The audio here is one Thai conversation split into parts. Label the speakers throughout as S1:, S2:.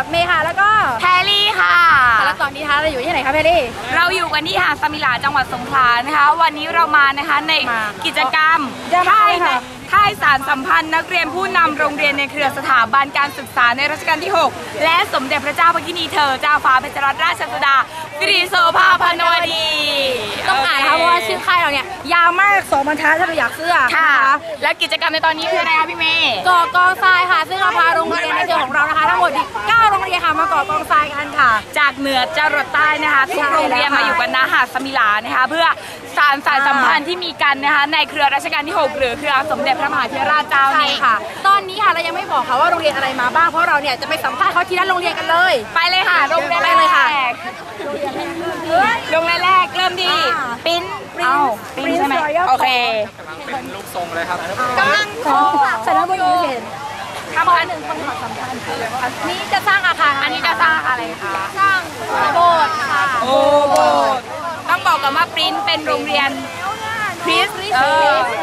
S1: เมย์ค่ะแล้วก็
S2: แพรลี่ค่ะ
S1: แล้วตอนนี้นะคะเราอยู่ที่ไหนคะแพรลี่
S2: เราอยู่กันที่หาดสมิลาจังหวัดสงขลานะคะวันนี้เรามานะคะในกิจกรรมค่ายสารสัมพันธ์นักเรียนผู้นำโรงเรียนในเครือสถาบันการศึกษาในรัชกาลที่ 6และสมเด็จพระเจ้าพระกินีเธอเจ้าฟ้าเพชรรัตนราชสุดาสิริโสภาพนวดี
S1: ต้องอ่านนะคะเพราะว่าชื่อค่ายเราเนี่ยยาวมาก2 บรรทัดถ้าเราอยากเสื้อ
S2: ค่ะและกิจกรรมในตอนนี้คืออะไรคะพี่เมย์
S1: ก่อกองทรายค่ะซึ่งเราพาโรงเรียนในเครือของเรานะคะทั้งหมด9 โรงเรียนค่ะมาก่อกองทรายกันค่ะ
S2: จากเหนือจรดใต้นะคะทุกโรงเรียนมาอยู่กันณหาดสมิลานะคะเพื่อสานสายสัมพันธ์ที่มีกันนะคะในเครือรัชกาลที่ 6หรือเครือสมเด็จพระมหาเถรราชเจ้านี้
S1: ค่ะตอนนี้ค่ะเรายังไม่บอกค่ะว่าโรงเรียนอะไรมาบ้างเพราะเราเนี่ยจะไปสัมภาษณ์เขาที่นั่นโรงเรียนกันเลย
S2: ไปเลยค่ะโรงเรียนแรกเลยค่ะโรงเรียนแรกเริ่มที่ปิ้นใช่ไหมโอเค
S3: เป็นลูกทรงเลยครับ
S1: กำลังขอสนับสนุนเห็น
S2: ทำ1 คนขอสัมภาษณ์
S1: นี่จะสร้างอาคาร
S2: อันนี้จะสร้างอะไรคะ
S1: สร้างโบสถ์ค่ะ
S2: โอ้โบสถ์ต้องบอกกันว่าปริ้นเป็นโรงเรียน
S1: คริสขอ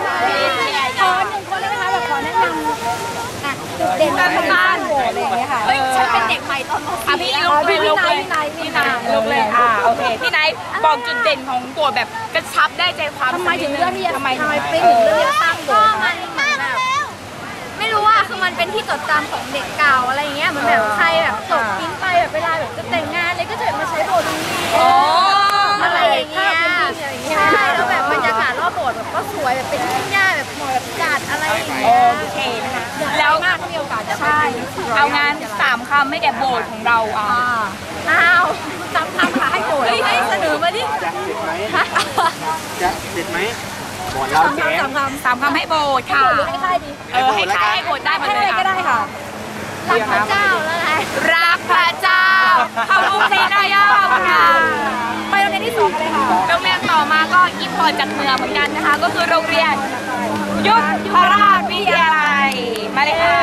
S1: 1 คนเลยนะคะแบบขอแนะนำจุดเด่นการทำงานโบสถ์อะไรอย่างเงี้ยค่ะฉันเป็นเด็กใหม่ตอน
S2: พี่ลุกเลยลุกเลยโอเคพี่ไนท์บอกจุดเด่นของโบสถ์แบบกระชับได้ใจความ
S1: ทำไมถึงเลือกที่จะทำไมปริ้นถึงเลือกที่จะสร้างโบสถ์
S4: มันแบบไม่รู้ว่าคือมันเป็นที่จดจำของเด็กเก่าอะไรเงี้ยเหมือนแบบใครแบบจบปิ้นไปแบบเวลาแบบจะแต่งงานเลยก็จะมาใช้โบสถ์ตรงนี้อะไรอย่างเงี้ยใช่แล้วแบบบรรยากาศรอบโบสถ์แบบก็สวยแบบเป็นทุ่งหญ้าแบบหมอกแบบจัดอะไรอย่างเงี้ย
S2: โอเคนะคะแล้ว
S1: มากที่มีโอกาสจะ
S2: ใช่เอางาน3 คำไม่แก่โบสถ์ของเรา
S1: อ้าว3 คำค่ะให้โบสถ์
S4: ให้เสนอมาดิ
S3: จะเด็ดไหมก่อนเราแจ้ง
S2: 3 คำให้โบสถ์ค่ะ
S1: ให้ค่ายดี
S2: ให้ค่ายให้โบสถ์ได้หมดเลย
S1: ก็ได้ค่ะ
S4: รักพระเจ้าแล้วไง
S2: รักพระเจ้าเข้าลูกซีนายาค่ะ
S1: ไปโรงเรียนที่2เลยค่ะ
S2: โรงเรียนต่อมาก็อิมพอร์ตจากเหนือเหมือนกันนะคะก็คือโรงเรียนยุทธราชวิทยาลัยมาเลยค่ะ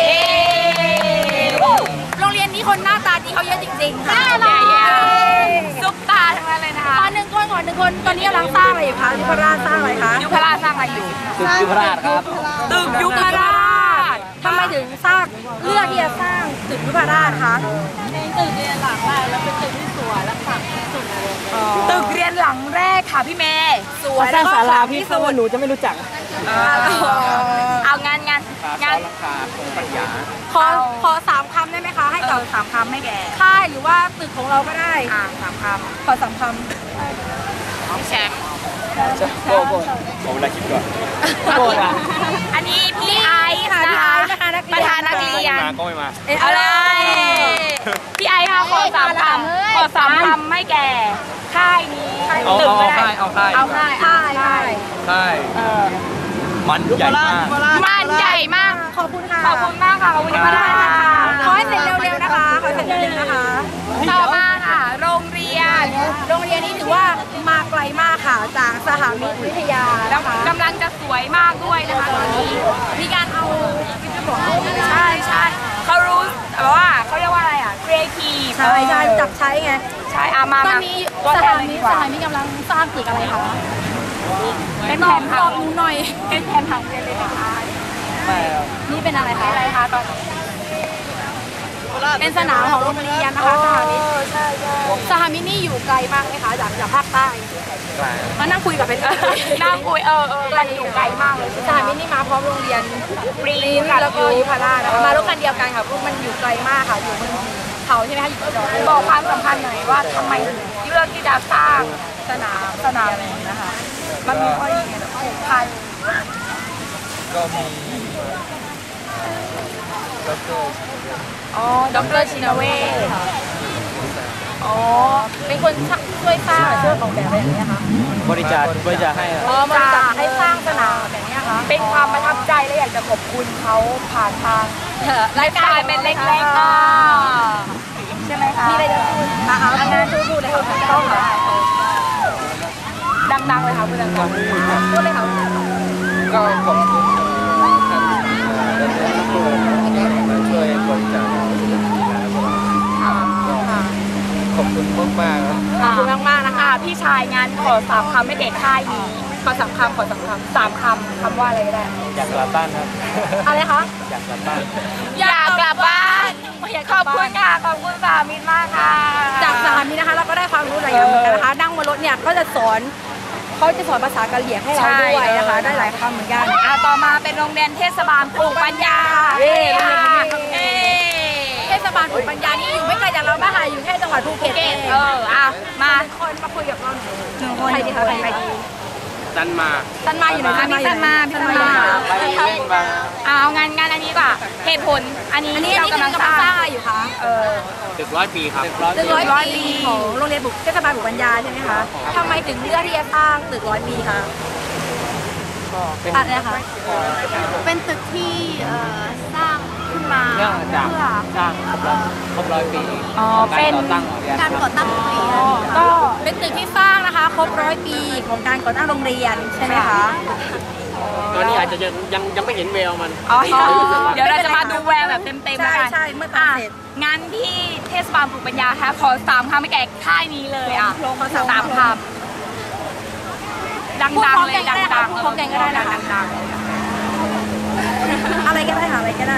S1: โรงเรียนนี้คนหน้าตาดีเขาเยอะจริงๆค่ะ
S2: ซุปตาทั้งนั้นเลยนะคะ
S1: ตอน1 คนตอนนี้กำลังสร้างอะไรอยู่คะยุพราชสร้างอะไรคะ
S2: ยุพราชสร้างอะไรอยู่
S3: ตึกยุพราชครับ
S2: ตึกยุพราช
S1: ทำไมถึงสร้างเลือกที่จะสร้างตึกยุพราชคะ
S4: ตึกเรียนหลังแรกแล้วเป็นตึกที่สวยและฝังที่สุดเลย
S2: ตึกเรียนหลังแรกค่ะพี่เมย์
S1: สวยแล้วก็
S3: ศาลาพี่สวหนูจะไม่รู้จัก
S2: เอางาน
S3: ราคาของปัญญา
S1: ขอ3 คำได้ไหมคะให้กับ
S2: 3 คำไม่แก่
S1: ค่ายหรือว่าตึกของเราก็ได้
S2: 3 คำ
S1: ขอ3 คำ
S2: พี่แชมป์
S3: โบผมเวลาคิดก่อน
S2: โบอันนี้พี่ไอซ์ค่ะพี่ไอซ์นะคะประธานนักเรียน
S3: ก็ไม่มา
S2: อะไรพี่ไอซ์ค่ะขอ3 คำไม่แก่ค่ายนี้ตึกก็ได้
S3: เอาค่ายมันใหญ่
S2: มาก
S1: ขอบคุณค่ะ
S2: ขอบคุณมากค่ะขอบคุณมากค่ะ
S1: ขอให้เสร็จเร็วๆนะคะขอให้เสร็จเร็วๆนะคะ
S2: ต่อมาค่ะโรงเรียน
S1: นี้ถือว่ามาไกลมากค่ะจากสหมิตรวิทยานะคะ
S2: กำลังจะสวยมากด้วยนะคะตอนนี้
S1: มีการเอาวิทยาบอก
S2: ใช่เขารู้แต่ว่าเขาเรียกว่าอะไรครีเอทีฟ
S1: ใช่จับใช้ไง
S2: ใช่มา
S1: ตอนนี้สหมิตรกำลังสร้างตึกอะไรคะ
S2: เป็นแผนผัง
S1: หน่อย
S2: เป็นแผนผังเลยนะคะ
S1: นี่เป็นอะไรคะ
S2: ตอน
S1: เป็นสนามของโรงเรียนนะคะสหมิตรสหมิตรนี่อยู่ไกลมากไหมคะจากภาคใต้มานั่งคุยกับเป็น
S2: นั่งคุยมันอยู่ไกลมากเลย
S1: สหมิตรนี่มาพร้อมโรงเรียน
S2: ปรีน
S1: แล้วก็ยุพราชนะคะมารถคันเดียวกันค่ะเพราะมันอยู่ไกลมากค่ะอยู่บนเขาใช่ไหมคะอยู่
S2: บอกความสำคัญหน่อยว่าทำไมถึงเลือกที่จะสร้างสนามนี้นะคะมันมีข้อดีไงผูกพัน
S3: ก็มี
S2: ดร.ชินเวช
S1: เป็นคนช่วยสร้างช่วยออกแบบอะไรอย่างเงี้ยคะ
S3: บริจาคให้
S1: บริจาคให้สร้างสนามแบบนี้คะ
S2: เป็นความประทับใจและอยากจะขอบคุณเขาผ่านทางรายการเป็นเล็กๆใช่ไหมคะ
S1: มีอะไรจะพูดงานพูดเลยค่ะต้องค่ะ
S2: ดังๆเลยค่ะพูดดังๆ
S1: พูดเลยค่ะ
S3: ก็ขอบคุณช่วยบริจาคขอบคุณมาก
S2: ขอบคุณมากนะคะพี่ชายงานขอ3 คำไม่เด็กค่ายนี้ขอ3 คำ3 คำว่าอะไรก็ได้
S3: อยากกลับบ้านครับ
S1: อะไรคะ
S3: อยากกลับบ้าน
S2: อยากกลับบ้าน
S1: อยาก
S2: ขอบคุณค่ะขอบคุณสามิตรมากค่ะ
S1: จากสามีนะคะเราก็ได้ความรู้หลายอย่างเหมือนกันนะคะนั่งบนรถเนี่ยก็จะสอนเขาจะสอนภาษากะเหรี่ยงให้เราด้วยนะคะได้หลายคำเหมือนกัน
S2: ต่อมาเป็นโรงเรียนเทศบาลปลูกปัญญา
S1: เทศบาลปลูกปัญญานี่อยู่ไม่ไกลจากเรามากค่ะอยู่แค่จังหวัดภูเก็ตเอง
S2: มา
S1: คนมาคุยกับเราหน่อย
S2: หนึ่งคน
S1: ใครดีคะใครดี
S3: จันมา
S1: ตันมาอยู่ไหน
S2: พี่ตันมาพี่ตันมา
S3: ไปเล่นบาง
S2: เอางานอันนี้ดีกว่าเหตุผลอันนี้ที่เรากำลังสร้าง
S1: อะไรอยู่คะ
S3: ตึก100 ปีครับ
S1: ตึก100 ปีของโรงเรียนเทศบาลปลูกปัญญาใช่ไหมคะทำไมถึงเลือกที่จะสร้างตึก100 ปีคะอะไรนะคะ
S4: เป็นตึกที่สร้างขึ้นมา
S3: เนื่องจากสร้างครบ100 ปี
S2: อ๋อเป็น
S4: การก่อตั้งโรงเรียน
S1: ก็เป็นตึกที่สร้างนะคะครบ100 ปีของการก่อตั้งโรงเรียนใช่ไหมคะ
S3: ตอนนี้อาจจะยังไม่เห็นแววมัน
S2: เดี๋ยวเราจะมาดูแววแบบเต็มๆ
S1: ใช่
S2: กัน
S1: ใช่เมื่อตอนเสร็จ
S2: งานที่เทศบาลปลูกปัญญาค่ะขอ3 คำให้แก่ค่ายนี้เลย3 คำดังๆเลยดังๆ
S1: พูดพร้อมกันก็ได้นะคะอะไรก็ได้ค่ะอะไรก็ได้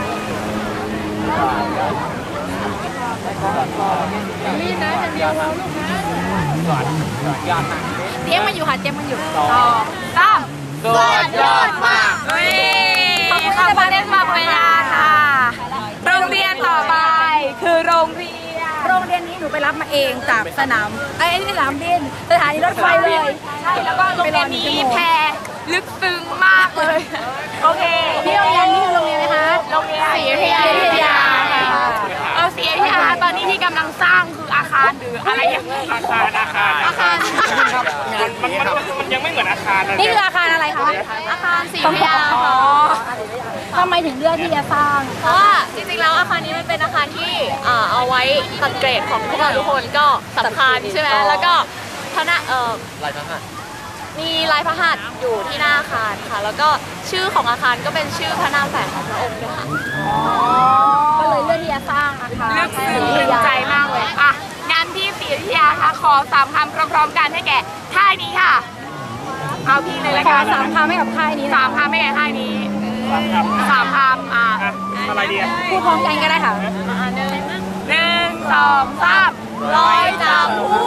S3: ยอดมาก
S1: เตรียมมันอยู่ค่ะเตรียมมันอยู่
S2: 3
S3: สุดยอดมาก
S2: ขอบคุณเทศบาลปลูกปัญญาค่ะโรงเรียนต่อไปคือโรงเรียน
S1: โรงเรียนนี้หนูไปรับมาเองจากสนามที่สนามบินสถานีรถไฟเลย
S2: ใช่แล้วก็โรงเรียนนี้แพรลึกซึ้งมากเลยโอเค
S1: ที่โรงเรียนนี้คือโรงเรียนไหมคะ
S2: โรงเรียนศรีอยุธยา
S1: ศรีอยุธยาค่ะ
S2: ศรีอยุธยาตอนนี้ที่กำลังสร้างคืออาคารหรืออะไรอย่างเงี้ย
S3: อาคารมันยังไม่เหมือนอาคารนะ
S1: นี่คืออาคารอะไรคะ
S4: อาคารศรีอยุธยาค่ะ
S1: ทำไมถึงเลือกที่จะสร้าง
S4: เพราะว่าจริงๆแล้วอาคารนี้มันเป็นอาคารที่เอาไว้ตัดเกรดของพวกเราทุกคนก็สำคัญใช่ไหมแล้วก็คณะ
S3: ลายพระหัตถ์
S4: มีลายพระหัตถ์อยู่ที่หน้าอาคารค่ะ แล้วก็ชื่อของอาคารก็เป็นชื่อพระนามแฝงของพระองค์ด้วยค่ะ
S1: ก็เลยเลือกที่จะสร้างอาคาร
S2: ลึกซึ้งถึงใจมากเลยอ่ะงานที่ศรีอยุธยาค่ะขอ3 คำพร้อมๆกันให้แก่ค่ายนี้ค่ะเอาพี่เลยละ
S1: ขอ
S2: กัน
S1: 3 คำให้กับค่ายนี้
S2: 3 คำให้แก่ค่ายนี้3 คำ
S3: อะไรดี
S1: พูดพร้อมกันก็ได้ค่ะ
S2: 1 2 3ลอยจากภู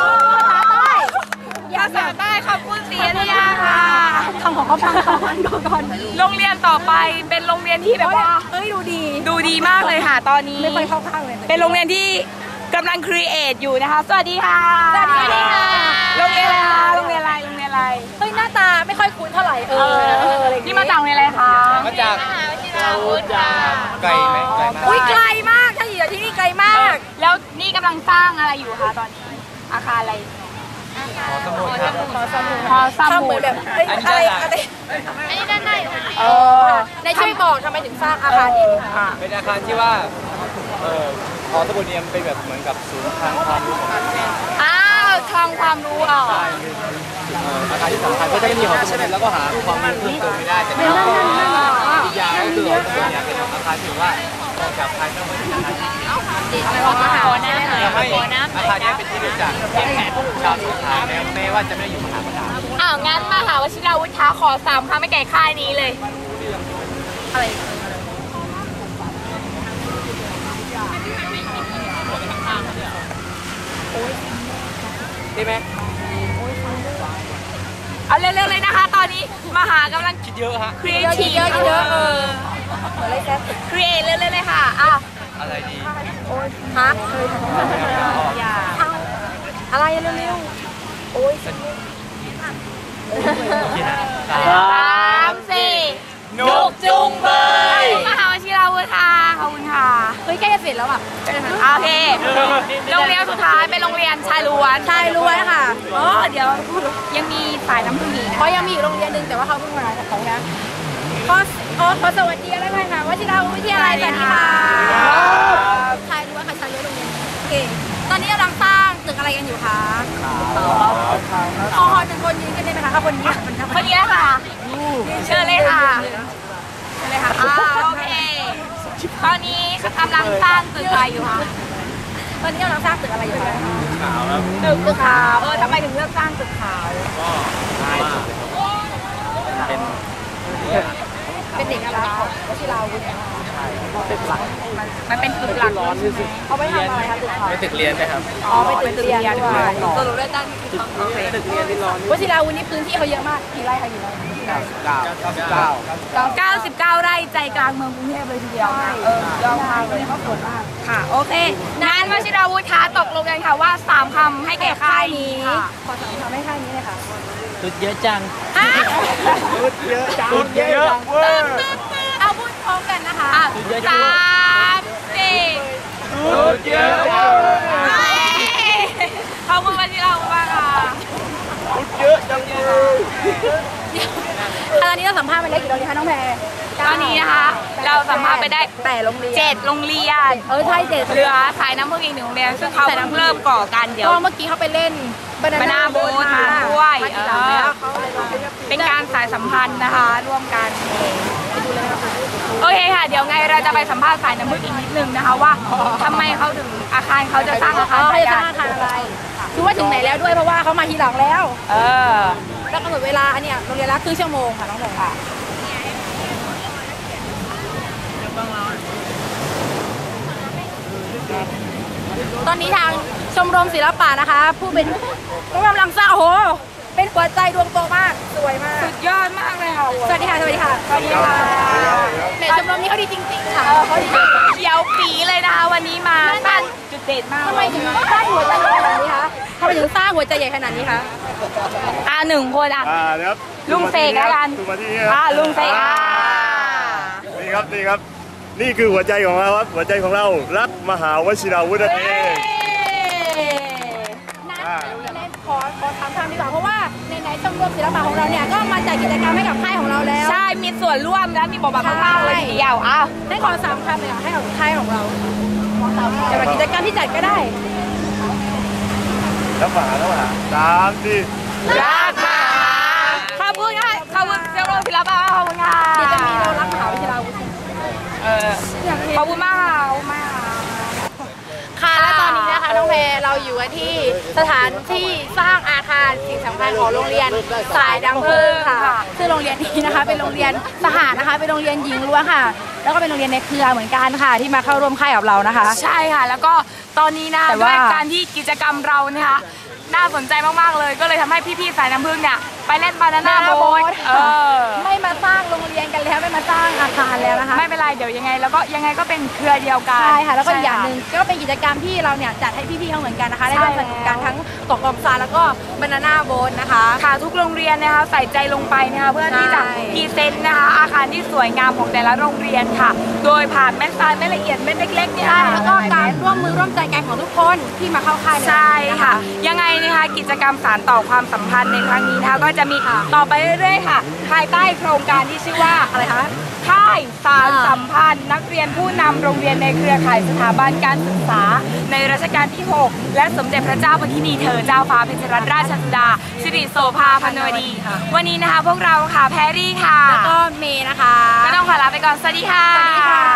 S2: ภาษาใต้ขอบคุณศรีอยุธยาค่ะ
S1: คำของเขาฟังก่อน
S2: โรงเรียนต่อไปเป็นโรงเรียนที่แบบว่า
S1: เอ้ยดูดี
S2: มากเลยค่ะ ตอนนี้
S1: ไม่ค่อยเข้าข้างเลย
S2: เป็นโรงเรียนที่กำลังครีเอทอยู่นะคะสวัสดีค่ะ
S1: สวัสดีค่ะ
S2: โรงเรียนอะไรคะโรงเรียนอะไร
S1: เฮ้ยหน้าตาไม่ค่อยคุ้นเท่าไหร่
S2: นี่มาจากโรงเรียนอะไรคะ
S3: มาจากไกลไหมไกลมาก
S1: อุ้ยไกลมากถ้าอยู่ที่นี่ไกลมาก
S2: แล้วนี่กำลังสร้างอะไรอยู่คะตอนนี้อาคารอะไร
S3: สมุดครับ
S2: หอส
S1: ทำเห
S2: มุ
S1: มือ
S2: ด
S1: นแบบอะไร
S4: อันนี้ด้านใน
S1: ในช่วยบอกทำไมถึงสร้างอาคารนี้คะ
S3: เป็นอาคารที่ว่าหอสมุดเนี่ยเป็นแบบเหมือนกับศูนย์ทางความรู้ของ
S2: คลังความรู้อ่ะ
S3: อาคารที่สำคัญก็จะไม่มีหอสมุดแล้วก็หาความรู้เพิ่มเติมไม่ได้แต่ที่อีกอย่างก็คือหอสมุดเนี่ยเป็นอาคารที่ว่าออกจากภายนอกเป็นอาคารที่
S2: มหาวิทยาลัย
S3: ทำให้อาคารนี้เป็นที่รู้จักชาวสงขลาแม้ว่าจะไม่ได้อยู่มหาวิทยาลัย
S2: งั้นมหาวชิราวุฒิขอ3 คำให้แก่ค่ายนี้เลยอะไร
S3: ได้ไหม
S2: เอาเร็วๆเลยนะคะ ตอนนี้มหากำลัง
S3: คิดเยอะฮะ
S2: ครีเอทีฟครีเอเร็วๆเลยค่ะ
S3: อะไรดี
S1: ฮะอะไรเร็วๆโอ้ย
S2: 3 4นุกจุงเบยมหาวชิราวุฒิค่ะขอบคุณค่ะ
S1: เฮ้ยใกล้จะเสร็จแล้วอ่ะ
S2: โอเคโรงเรียนสุดท้ายเป็นโรงเรียนชายล้วน
S1: ชายล้วนค่ะ
S2: เดี๋ยวยังมีสายน้ำผึ้งอีก
S1: เพราะยังมีอีกโรงเรียนหนึ่งแต่ว่าเขาเพิ่งมาจากเขานะขอสวัสดีอะไรหน่อยค่ะวชิราวุฒิวิทยาลัยสวัสดีค่ะชายล้วนค่ะชายล้วนโรงเรียนโอเคตอนนี้กำลังสร้างตึกอะไรกันอยู่คะขอ1 คนยืนกันได้ไหมคะคนนี้
S2: คนนี้ค่ะเชิญเลยค่ะโอเคตอนนี้กำลังสร้างตึกอะไรอยู่คะ
S1: ตอนนี้กำลังสร้างตึกอะไรอยู่คะ
S3: ขาวแล้ว
S2: ตึกขาวทำไมถึงเลือกสร้างตึกขาว
S3: ก็ง่ายสุดเป็น
S1: เป็นเด็กอะไรของวชิราวุฒิ
S3: ตึกหลัก
S2: มันเป็นตึกหลัก
S3: ร้อนที่สุด
S1: เอาไปทำอะไรคะตึกเขา
S3: ไม่ตึกเรียนไหมครับ
S1: อ๋อไปตึกเรียนด้วย
S2: ตัวรู้ได้ตั้ง
S3: ตึกเรียนที่ร้อน
S1: วชิราวุธนี่พื้นที่เขาเยอะมากกี่ไร่คะกี่ไร่
S2: 99 ไร่ใจกลางเมืองกรุงเทพเลยทีเดียวนะยอดมากเลยเขาสวยมากค่ะโอเคงั้นวชิราวุธคะตกลงกันค่ะว่า3คำให้แก่ค่ายนี้
S1: ขอสามคำให้ค่ายนี้เลยค่ะ
S3: ตึกเยอะจัง
S2: ฮะ
S3: ตึกเยอะจังตึกเยอะเวอร์
S1: เอาพูดพร้อมกันนะคะ
S2: 3 4
S3: ตึกเยอะ
S2: ขอบคุณวชิราวุธมากค่ะ
S3: ตึกเยอะจังเลย
S1: ตอนนี้เราสัมภาษณ์ไปได้กี่โรงเรียนคะน้องแพร
S2: ตอนนี้นะคะเราสัมภาษณ์ไปได้
S1: 8โรงเรียน
S2: 7 โรงเรียน
S1: ใช่7
S2: เหลือสายน้ำพึ่งอีก1โรงเรียนซึ่งเขาเพิ่งเริ่มก่อกันเดี๋ยว
S1: ก็เมื่อกี้เขาไปเล่นบา
S2: Banana Boat มาด้วย
S1: มาทีหลังแล้วเขา
S2: เป็นการสายสัมพันธ์นะคะ ร่วมกันโอเคค่ะ เดี๋ยวไงเราจะไปสัมภาษณ์สายน้ำพึ่งอีกนิดนึงนะคะว่าทำไมเขาถึงอาคารเขาจะสร้างอาคาร
S1: เขา
S2: แบบ
S1: จะสร้างอาคารอะไรคือว่าถึงไหนแล้วด้วยเพราะว่าเขามาทีหลังแล้ว แล้วกำหนดเวลาอันเนี้ยโรงเรียนละครึ่งชั่วโมงค่ะน้องแพรค่ะตอนนี้ทางชมรมศิลปะนะคะ ผู้เป็นผู้กำลังสร้างโอ้โหเป็นหัวใจดวงโตมากสวยมาก
S2: สุดยอดมากเลยค่ะ
S1: สวัสดีค่ะ สวัสดีค่ะ สวัสดีค่ะแหม่ชมรมนี้เขาดีจริงๆค่ะเขาดีจริง
S2: เขียวปีเลยนะคะวันนี้มาตั้งจุดเด่นมาก
S1: ทำไมถึงสร้างหัวใจใหญ่ขนาดนี้คะทำไมถึงสร้างหัวใจใหญ่ขนาดนี้คะ
S2: 1 คน
S5: นะครับ
S2: ลุงเสกแล้วกัน
S5: ดูมาที่นี่ครับ
S2: ลุงเสก
S5: นี่ครับนี่ครับ นี่คือหัวใจของเราครับหัวใจของเรารักมหาวชิราวุธนั่นเอง
S1: ขอถามคำดีกว่าเพราะว่าในชมรมศิลปะของเราเนี่ยก็มาจัดกิจกรรมให้กับค่ายของเราแล้ว
S2: ใช่มีส่วนร่วมและมีบทบาทมากๆเลยทีเดียวอ้าว
S1: ให้ขอ3คำเลยค่ะให้กับค่ายของเราเกี่ยวกับกิจกรรมที่จัดก็ได้
S5: แล้วฝาสามสี่
S2: รักมหาขอบคุณค่ะขอบคุณเจ้าโรงศิลปะขอบคุณค่ะ
S1: เดี๋ยวจะมีเรารักมหาวิทยาลัยวุฒิ
S2: ขอบคุณมากค่ะขอบคุณมาก
S1: ค่ะและตอนนี้นะคะน้องแพรเราอยู่กันที่สถานที่สร้างอาคารสิ่งสำคัญของโรงเรียนสายดังเพลิงค่ะซึ่งโรงเรียนนี้นะคะเป็นโรงเรียนสหนะคะเป็นโรงเรียนหญิงล้วนค่ะ แล้วก็เป็นโรงเรียนในเครือเหมือนกันค่ะที่มาเข้าร่วมค่ายกับเรานะคะ
S2: ใช่ค่ะแล้วก็ตอนนี้นะ
S1: แต่
S2: ด้ว
S1: ว่า
S2: ยการที่กิจกรรมเรานะคะน่าสนใจมากๆเลยก็เลยทำให้พี่ๆสายน้ำผึ้งเนี่ยไปเล่นบานาน่าโบ๊ท
S1: ไม่มาสร้างโรงเรียนกันแล้วไม่มาสร้างอาคารแล้วนะคะ
S2: ไม่เป็นไรเดี๋ยวยังไงแล้วก็ยังไงก็เป็นเครือเดียวกัน
S1: ใช่ค่ะแล้วก็อีกอย่างหนึ่งก็เป็นกิจกรรมที่เราเนี่ยจัดให้พี่ๆเขาเหมือนกันนะคะได้ร่วมสนุกกันทั้งตกกองซานแล้วก็บานาน่าโบ๊ทนะคะ
S2: ค่ะทุกโรงเรียนนะคะใส่ใจลงไปนะคะเพื่อที่จะ
S1: ใช่
S2: พรีเซนต์นะคะอาคารที่สวยงามของแต่ละโรงเรียนค่ะ โดยผ่านเม็ดทรายเม็ดละเอียดเม็ดเล็กๆเนี่ย
S1: ใช่แล้วก็การร่วมมือร่วมใจกันของทุกคนที่มาเข้าค่ายใน
S2: ใช่
S1: วันนี้น
S2: ค่ะ ยังไงนะคะกิจกรรมสานต่อความสัมพันธ์ในครั้งนี้นะคะก็จะมีต่อไปเรื่อยๆค่ะภายใต้โครงการที่ชื่อว่า
S1: อะไรคะ
S2: ค่ายสารสัมพันธ์นักเรียนผู้นำโรงเรียนในเครือข่ายสถาบันการศึกษาในรัชกาลที่ 6 และสมเด็จพระเจ้าพระทินีเธอเจ้าฟ้าเพชรรัตนราชสุดาสิริโสภาพนวดี วันนี้นะคะพวกเราค่ะแพรรี่ค่ะ
S1: แล้วก็เมย์นะคะ
S2: ก็ต้องขอลาไปก่อน สวัสดีค่ะ
S1: สวัสดีค่ะ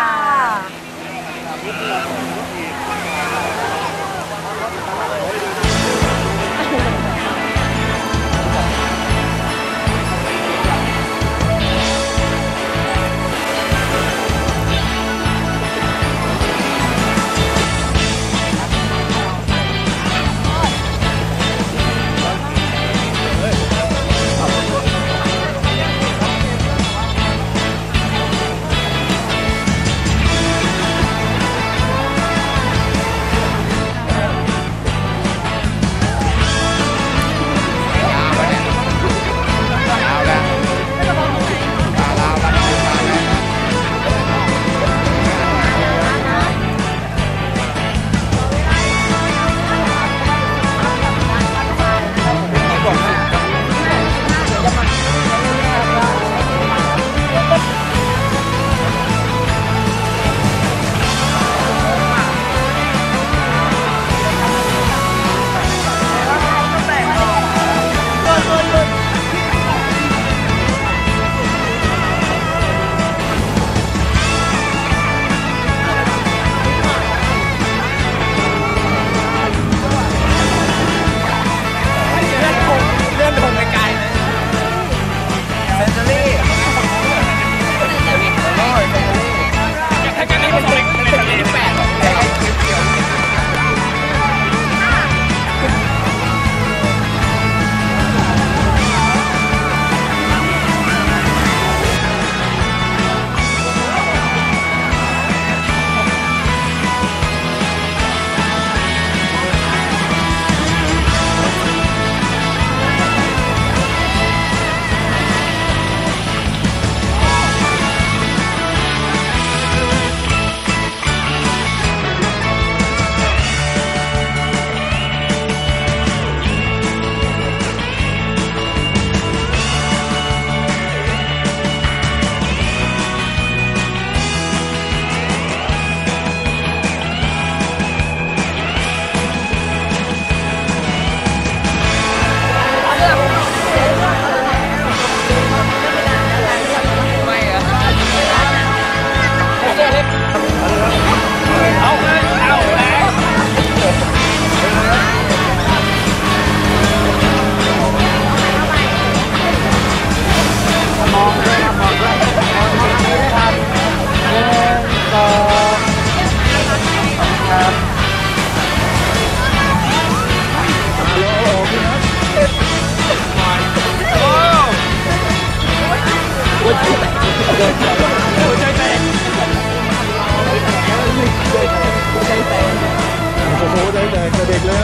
S5: โอ้โหใจแตกแต่เด็กเลย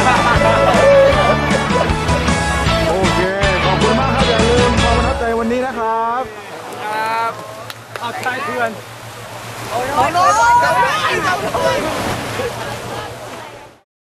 S5: โอเคขอบคุณมากครับอย่าลืมความประทับใจวันนี้นะครับครับเอาใจเพื่อน